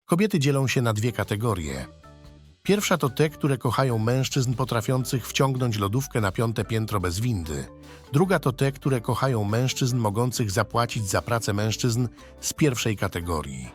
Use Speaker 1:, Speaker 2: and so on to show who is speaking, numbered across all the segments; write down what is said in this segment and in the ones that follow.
Speaker 1: Kobiety dzielą się na dwie kategorie. Pierwsza to te, które kochają mężczyzn potrafiących wciągnąć lodówkę na 5. piętro bez windy. Druga to te, które kochają mężczyzn mogących zapłacić za pracę mężczyzn z pierwszej kategorii.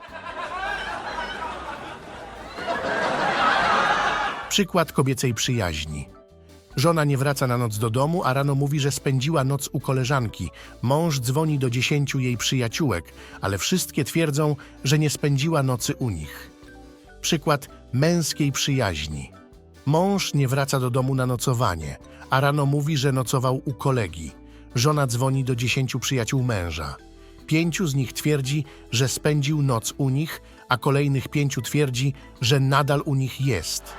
Speaker 1: Przykład kobiecej przyjaźni. Żona nie wraca na noc do domu, a rano mówi, że spędziła noc u koleżanki. Mąż dzwoni do 10 jej przyjaciółek, ale wszystkie twierdzą, że nie spędziła nocy u nich. Przykład męskiej przyjaźni. Mąż nie wraca do domu na nocowanie, a rano mówi, że nocował u kolegi. Żona dzwoni do 10 przyjaciół męża. 5 z nich twierdzi, że spędził noc u nich, a kolejnych 5 twierdzi, że nadal u nich jest.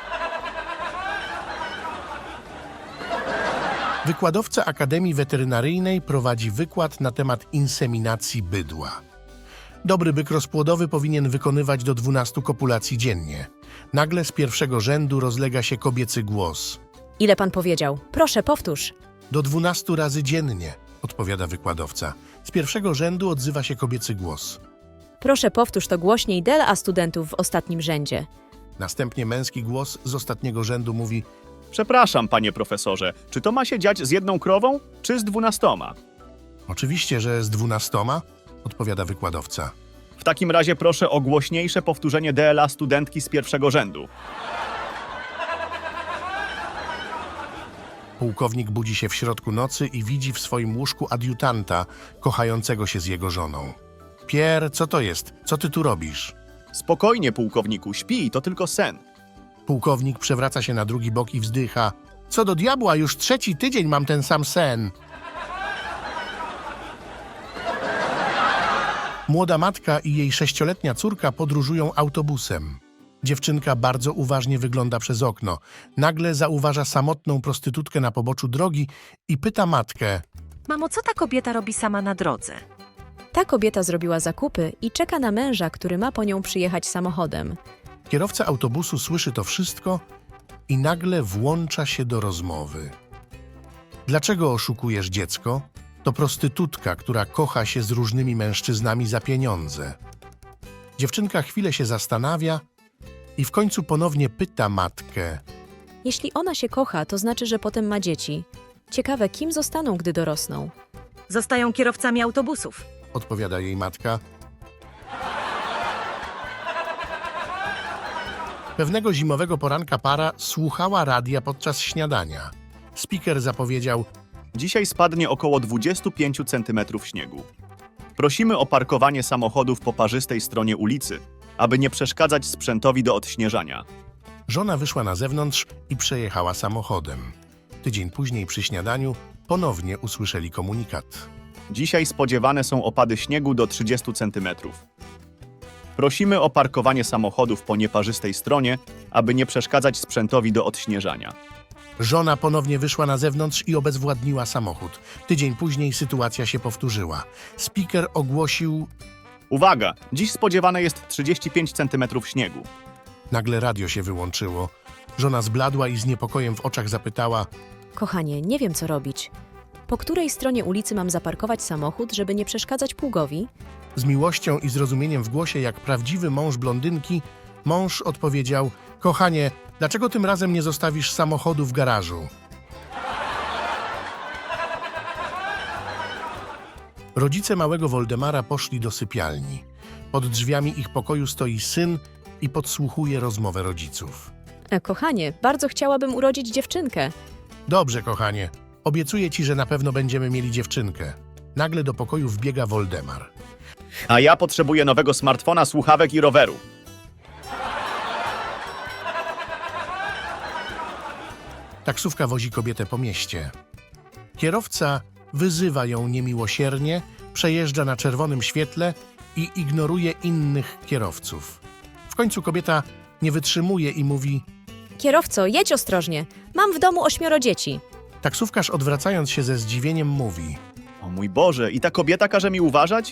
Speaker 1: Wykładowca Akademii Weterynaryjnej prowadzi wykład na temat inseminacji bydła. Dobry byk rozpłodowy powinien wykonywać do 12 kopulacji dziennie. Nagle z pierwszego rzędu rozlega się kobiecy głos.
Speaker 2: Ile pan powiedział? Proszę, powtórz.
Speaker 1: Do 12 razy dziennie, odpowiada wykładowca. Z pierwszego rzędu odzywa się kobiecy głos.
Speaker 2: Proszę, powtórz to głośniej dla studentów w ostatnim rzędzie.
Speaker 1: Następnie męski głos z ostatniego rzędu mówi:
Speaker 3: Przepraszam, panie profesorze, czy to ma się dziać z 1 krową, czy z 12?
Speaker 1: Oczywiście, że z 12, odpowiada wykładowca.
Speaker 3: W takim razie proszę o głośniejsze powtórzenie DLA studentki z pierwszego rzędu.
Speaker 1: Pułkownik budzi się w środku nocy i widzi w swoim łóżku adiutanta kochającego się z jego żoną. Pier, co to jest? Co ty tu robisz?
Speaker 3: Spokojnie, pułkowniku, śpi, to tylko sen.
Speaker 1: Pułkownik przewraca się na drugi bok i wzdycha. Co do diabła, już 3. tydzień mam ten sam sen. Młoda matka i jej 6-letnia córka podróżują autobusem. Dziewczynka bardzo uważnie wygląda przez okno. Nagle zauważa samotną prostytutkę na poboczu drogi i pyta matkę:
Speaker 4: Mamo, co ta kobieta robi sama na drodze?
Speaker 2: Ta kobieta zrobiła zakupy i czeka na męża, który ma po nią przyjechać samochodem.
Speaker 1: Kierowca autobusu słyszy to wszystko i nagle włącza się do rozmowy. Dlaczego oszukujesz dziecko? To prostytutka, która kocha się z różnymi mężczyznami za pieniądze. Dziewczynka chwilę się zastanawia i w końcu ponownie pyta matkę:
Speaker 2: Jeśli ona się kocha, to znaczy, że potem ma dzieci. Ciekawe, kim zostaną, gdy dorosną.
Speaker 4: Zostają kierowcami autobusów.
Speaker 1: odpowiada jej matka. Pewnego zimowego poranka para słuchała radia podczas śniadania. Speaker zapowiedział:
Speaker 3: Dzisiaj spadnie około 25 cm śniegu. Prosimy o parkowanie samochodów po parzystej stronie ulicy, aby nie przeszkadzać sprzętowi do odśnieżania.
Speaker 1: Żona wyszła na zewnątrz i przejechała samochodem. Tydzień później przy śniadaniu ponownie usłyszeli komunikat.
Speaker 3: Dzisiaj spodziewane są opady śniegu do 30 cm. Prosimy o parkowanie samochodów po nieparzystej stronie, aby nie przeszkadzać sprzętowi do odśnieżania.
Speaker 1: Żona ponownie wyszła na zewnątrz i obezwładniła samochód. Tydzień później sytuacja się powtórzyła. Speaker ogłosił:
Speaker 3: Uwaga! Dziś spodziewane jest 35 cm śniegu.
Speaker 1: Nagle radio się wyłączyło. Żona zbladła i z niepokojem w oczach zapytała:
Speaker 2: Kochanie, nie wiem, co robić. Po której stronie ulicy mam zaparkować samochód, żeby nie przeszkadzać pługowi?
Speaker 1: Z miłością i zrozumieniem w głosie, jak prawdziwy mąż blondynki, mąż odpowiedział: Kochanie, dlaczego tym razem nie zostawisz samochodu w garażu? Rodzice małego Woldemara poszli do sypialni. Pod drzwiami ich pokoju stoi syn i podsłuchuje rozmowę rodziców.
Speaker 2: Kochanie, bardzo chciałabym urodzić dziewczynkę.
Speaker 1: Dobrze, kochanie. Obiecuję ci, że na pewno będziemy mieli dziewczynkę. Nagle do pokoju wbiega Woldemar.
Speaker 3: A ja potrzebuję nowego smartfona, słuchawek i roweru.
Speaker 1: Taksówka wozi kobietę po mieście. Kierowca wyzywa ją niemiłosiernie, przejeżdża na czerwonym świetle i ignoruje innych kierowców. W końcu kobieta nie wytrzymuje i mówi:
Speaker 2: Kierowco, jedź ostrożnie. Mam w domu 8 dzieci.
Speaker 1: Taksówkarz odwracając się ze zdziwieniem mówi:
Speaker 3: O mój Boże, i ta kobieta każe mi uważać?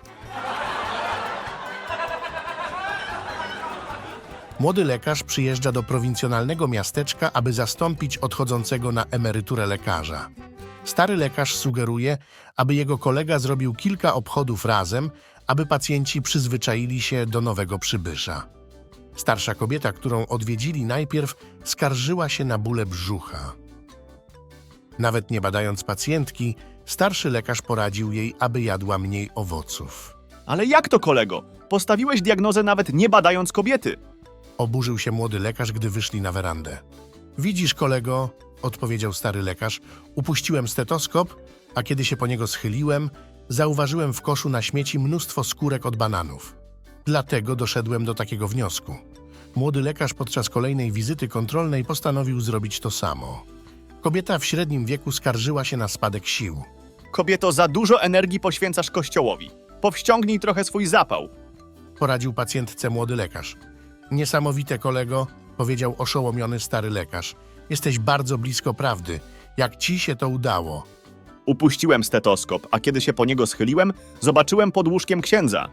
Speaker 1: Młody lekarz przyjeżdża do prowincjonalnego miasteczka, aby zastąpić odchodzącego na emeryturę lekarza. Stary lekarz sugeruje, aby jego kolega zrobił kilka obchodów razem, aby pacjenci przyzwyczaili się do nowego przybysza. Starsza kobieta, którą odwiedzili najpierw, skarżyła się na bóle brzucha. Nawet nie badając pacjentki, starszy lekarz poradził jej, aby jadła mniej owoców.
Speaker 3: Ale jak to, kolego? Postawiłeś diagnozę nawet nie badając kobiety.
Speaker 1: Oburzył się młody lekarz, gdy wyszli na werandę. Widzisz, kolego, odpowiedział stary lekarz, upuściłem stetoskop, a kiedy się po niego schyliłem, zauważyłem w koszu na śmieci mnóstwo skórek od bananów. Dlatego doszedłem do takiego wniosku. Młody lekarz podczas kolejnej wizyty kontrolnej postanowił zrobić to samo. Kobieta w średnim wieku skarżyła się na spadek sił.
Speaker 3: Kobieto, za dużo energii poświęcasz kościołowi. Powściągnij trochę swój zapał.
Speaker 1: Poradził pacjentce młody lekarz. Niesamowite, kolego, powiedział oszołomiony stary lekarz. Jesteś bardzo blisko prawdy. Jak ci się to udało?
Speaker 3: Upuściłem stetoskop, a kiedy się po niego schyliłem, zobaczyłem pod łóżkiem księdza.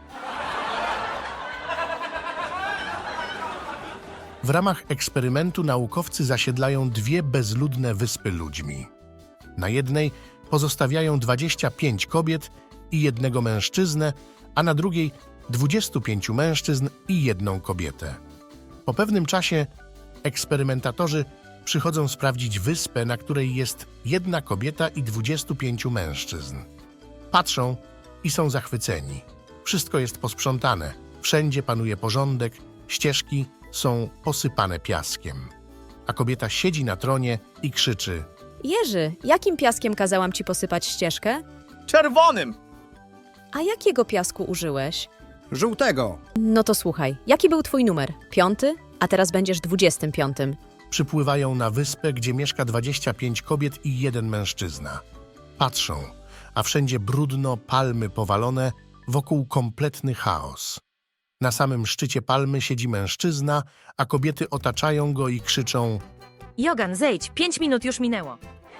Speaker 1: W ramach eksperymentu naukowcy zasiedlają 2 bezludne wyspy ludźmi. Na jednej pozostawiają 25 kobiet i 1 mężczyznę, a na drugiej 25 mężczyzn i 1 kobietę. Po pewnym czasie eksperymentatorzy przychodzą sprawdzić wyspę, na której jest 1 kobieta i 25 mężczyzn. Patrzą i są zachwyceni. Wszystko jest posprzątane, wszędzie panuje porządek, ścieżki są posypane piaskiem. A kobieta siedzi na tronie i krzyczy:
Speaker 2: Jerzy, jakim piaskiem kazałam ci posypać ścieżkę?
Speaker 3: Czerwonym!
Speaker 2: A jakiego piasku użyłeś?
Speaker 5: Żółtego.
Speaker 2: No to słuchaj, jaki był twój numer? 5? A teraz będziesz 25.
Speaker 1: Przypływają na wyspę, gdzie mieszka 25 kobiet i 1 mężczyzna. Patrzą, a wszędzie brudno, palmy powalone, wokół kompletny chaos. Na samym szczycie palmy siedzi mężczyzna, a kobiety otaczają go i krzyczą:
Speaker 4: Jogan, zejdź, 5 minut już minęło.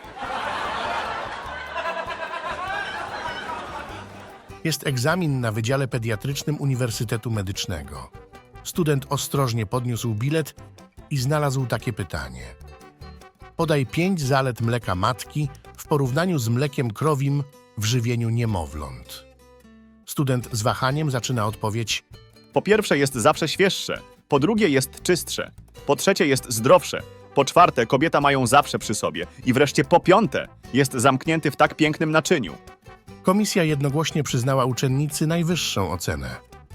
Speaker 1: Jest egzamin na Wydziale Pediatrycznym Uniwersytetu Medycznego. Student ostrożnie podniósł bilet i znalazł takie pytanie. Podaj 5 zalet mleka matki w porównaniu z mlekiem krowim w żywieniu niemowląt. Student z wahaniem zaczyna odpowiedź:
Speaker 3: Po pierwsze jest zawsze świeższe, po drugie jest czystsze, po trzecie jest zdrowsze, po czwarte kobieta ma ją zawsze przy sobie i wreszcie po piąte jest zamknięty w tak pięknym naczyniu.
Speaker 1: Komisja jednogłośnie przyznała uczennicy najwyższą ocenę.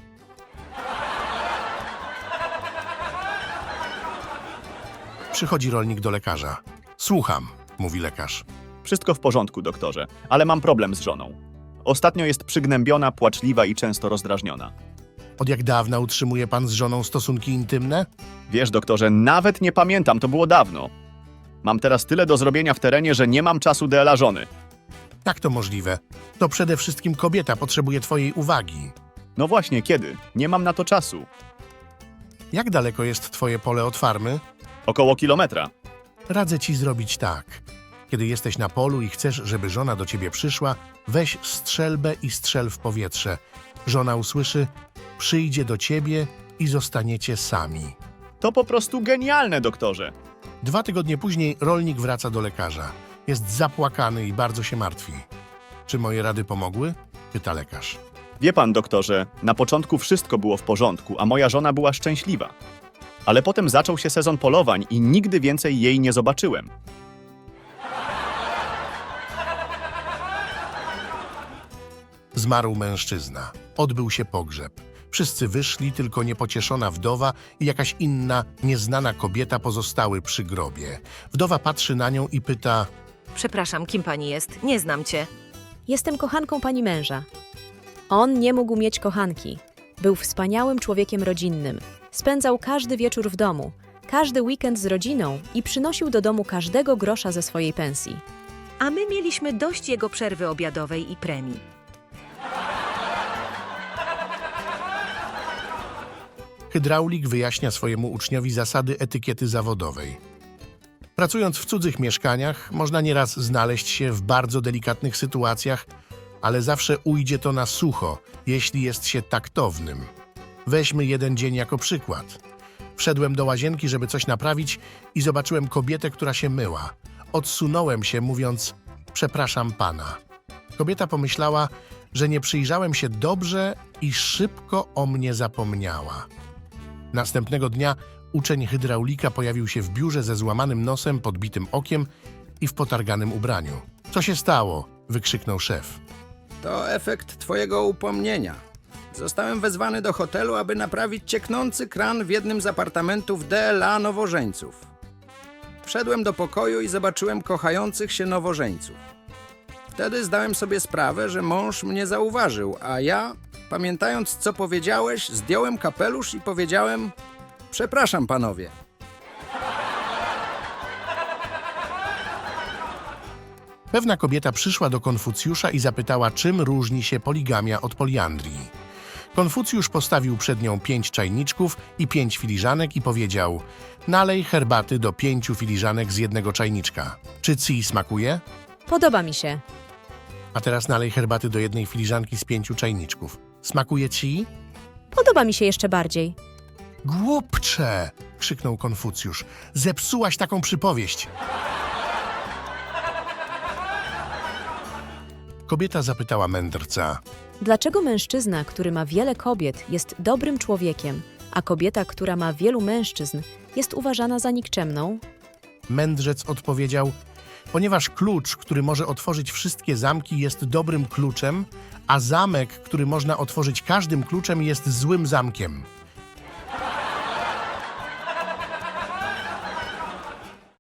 Speaker 1: Przychodzi rolnik do lekarza. Słucham, mówi lekarz.
Speaker 3: Wszystko w porządku, doktorze, ale mam problem z żoną. Ostatnio jest przygnębiona, płaczliwa i często rozdrażniona.
Speaker 1: Od jak dawna utrzymuje pan z żoną stosunki intymne?
Speaker 3: Wiesz, doktorze, nawet nie pamiętam, to było dawno. Mam teraz tyle do zrobienia w terenie, że nie mam czasu dla żony.
Speaker 1: Jak to możliwe? To przede wszystkim kobieta potrzebuje twojej uwagi.
Speaker 3: No właśnie, kiedy? Nie mam na to czasu.
Speaker 1: Jak daleko jest twoje pole od farmy?
Speaker 3: Około kilometra.
Speaker 1: Radzę ci zrobić tak. Kiedy jesteś na polu i chcesz, żeby żona do ciebie przyszła, weź strzelbę i strzel w powietrze. Żona usłyszy, przyjdzie do ciebie i zostaniecie sami.
Speaker 3: To po prostu genialne, doktorze.
Speaker 1: 2 tygodnie później rolnik wraca do lekarza. Jest zapłakany i bardzo się martwi. Czy moje rady pomogły? Pyta lekarz.
Speaker 3: Wie pan, doktorze, na początku wszystko było w porządku, a moja żona była szczęśliwa. Ale potem zaczął się sezon polowań i nigdy więcej jej nie zobaczyłem.
Speaker 1: Zmarł mężczyzna. Odbył się pogrzeb. Wszyscy wyszli, tylko niepocieszona wdowa i jakaś inna, nieznana kobieta pozostały przy grobie. Wdowa patrzy na nią i pyta:
Speaker 4: Przepraszam, kim pani jest? Nie znam cię.
Speaker 2: Jestem kochanką pani męża. On nie mógł mieć kochanki. Był wspaniałym człowiekiem rodzinnym. Spędzał każdy wieczór w domu, każdy weekend z rodziną i przynosił do domu każdego grosza ze swojej pensji.
Speaker 4: A my mieliśmy dość jego przerwy obiadowej i premii.
Speaker 1: Hydraulik wyjaśnia swojemu uczniowi zasady etykiety zawodowej. Pracując w cudzych mieszkaniach, można nieraz znaleźć się w bardzo delikatnych sytuacjach, ale zawsze ujdzie to na sucho, jeśli jest się taktownym. Weźmy jeden dzień jako przykład. Wszedłem do łazienki, żeby coś naprawić i zobaczyłem kobietę, która się myła. Odsunąłem się, mówiąc: przepraszam pana. Kobieta pomyślała, że nie przyjrzałem się dobrze i szybko o mnie zapomniała. Następnego dnia uczeń hydraulika pojawił się w biurze ze złamanym nosem, podbitym okiem i w potarganym ubraniu. Co się stało? Wykrzyknął szef.
Speaker 5: To efekt twojego upomnienia. Zostałem wezwany do hotelu, aby naprawić cieknący kran w jednym z apartamentów DLA nowożeńców. Wszedłem do pokoju i zobaczyłem kochających się nowożeńców. Wtedy zdałem sobie sprawę, że mąż mnie zauważył, a ja, pamiętając co powiedziałeś, zdjąłem kapelusz i powiedziałem: przepraszam, panowie.
Speaker 1: Pewna kobieta przyszła do Konfucjusza i zapytała, czym różni się poligamia od poliandrii. Konfucjusz postawił przed nią 5 czajniczków i 5 filiżanek i powiedział: nalej herbaty do 5 filiżanek z jednego czajniczka. Czy ci smakuje?
Speaker 2: Podoba mi się.
Speaker 1: A teraz nalej herbaty do 1 filiżanki z 5 czajniczków. Smakuje ci?
Speaker 2: Podoba mi się jeszcze bardziej.
Speaker 1: Głupcze! Krzyknął Konfucjusz. Zepsułaś taką przypowieść. Kobieta zapytała mędrca.
Speaker 2: Dlaczego mężczyzna, który ma wiele kobiet, jest dobrym człowiekiem, a kobieta, która ma wielu mężczyzn, jest uważana za nikczemną?
Speaker 1: Mędrzec odpowiedział: ponieważ klucz, który może otworzyć wszystkie zamki, jest dobrym kluczem, a zamek, który można otworzyć każdym kluczem, jest złym zamkiem.